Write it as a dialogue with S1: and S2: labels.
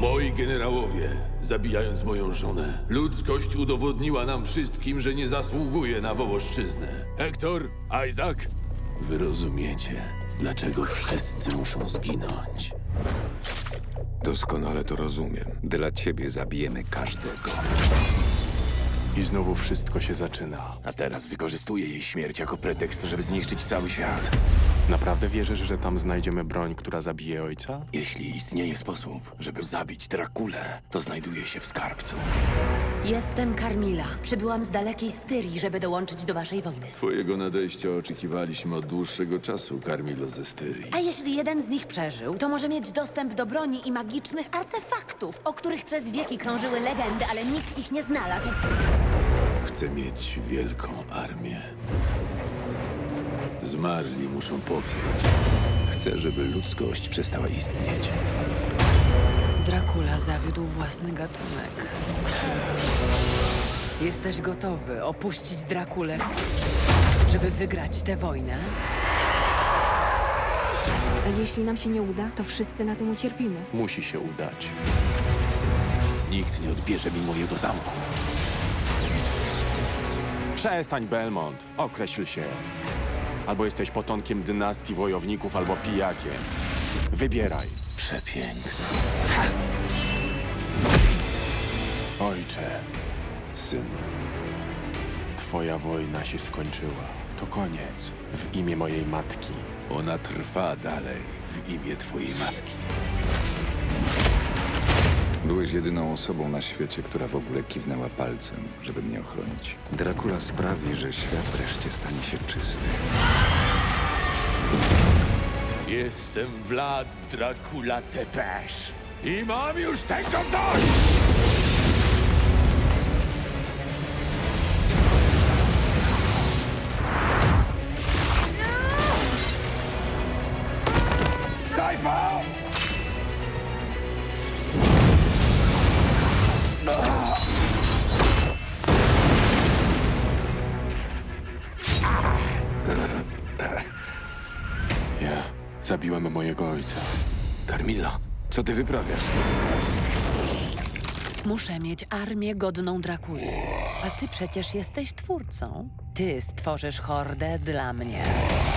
S1: Moi generałowie, zabijając moją żonę, ludzkość udowodniła nam wszystkim, że nie zasługuje na Wołoszczyznę. Hektor, Isaac, wy rozumiecie, dlaczego wszyscy muszą zginąć.
S2: Doskonale to rozumiem.
S3: Dla ciebie zabijemy każdego.
S2: I znowu wszystko się zaczyna.
S4: A teraz wykorzystuje jej śmierć jako pretekst, żeby zniszczyć cały świat.
S2: Naprawdę wierzysz, że tam znajdziemy broń, która zabije ojca?
S4: Jeśli istnieje sposób, żeby zabić Drakulę, to znajduje się w skarbcu.
S5: Jestem Carmilla. Przybyłam z dalekiej Styrii, żeby dołączyć do waszej wojny.
S1: Twojego nadejścia oczekiwaliśmy od dłuższego czasu, Carmillo ze Styrii.
S5: A jeśli jeden z nich przeżył, to może mieć dostęp do broni i magicznych artefaktów, o których przez wieki krążyły legendy, ale nikt ich nie znalazł.
S1: Chcę mieć wielką armię. Zmarli muszą powstać. Chcę, żeby ludzkość przestała istnieć.
S6: Dracula zawiódł własny gatunek. Jesteś gotowy opuścić Drakulę, żeby wygrać tę wojnę?
S7: A jeśli nam się nie uda, to wszyscy na tym ucierpimy.
S2: Musi się udać.
S4: Nikt nie odbierze mi mojego zamku.
S2: Przestań, Belmont. Określ się. Albo jesteś potomkiem dynastii wojowników, albo pijakiem. Wybieraj.
S4: Przepiękne.
S2: Ojcze,
S1: Synu,
S2: twoja wojna się skończyła. To koniec. W imię mojej matki.
S1: ona trwa dalej w imię twojej matki.
S3: Byłeś jedyną osobą na świecie, która w ogóle kiwnęła palcem, żeby mnie ochronić. Dracula sprawi, że świat wreszcie stanie się czysty.
S1: Jestem Vlad Dracula Tepes i mam już tego dość! Cypher!
S2: Ja zabiłem mojego ojca.
S4: Carmilla, co ty wyprawiasz?
S6: Muszę mieć armię godną Drakuli. A ty przecież jesteś twórcą. Ty stworzysz hordę dla mnie.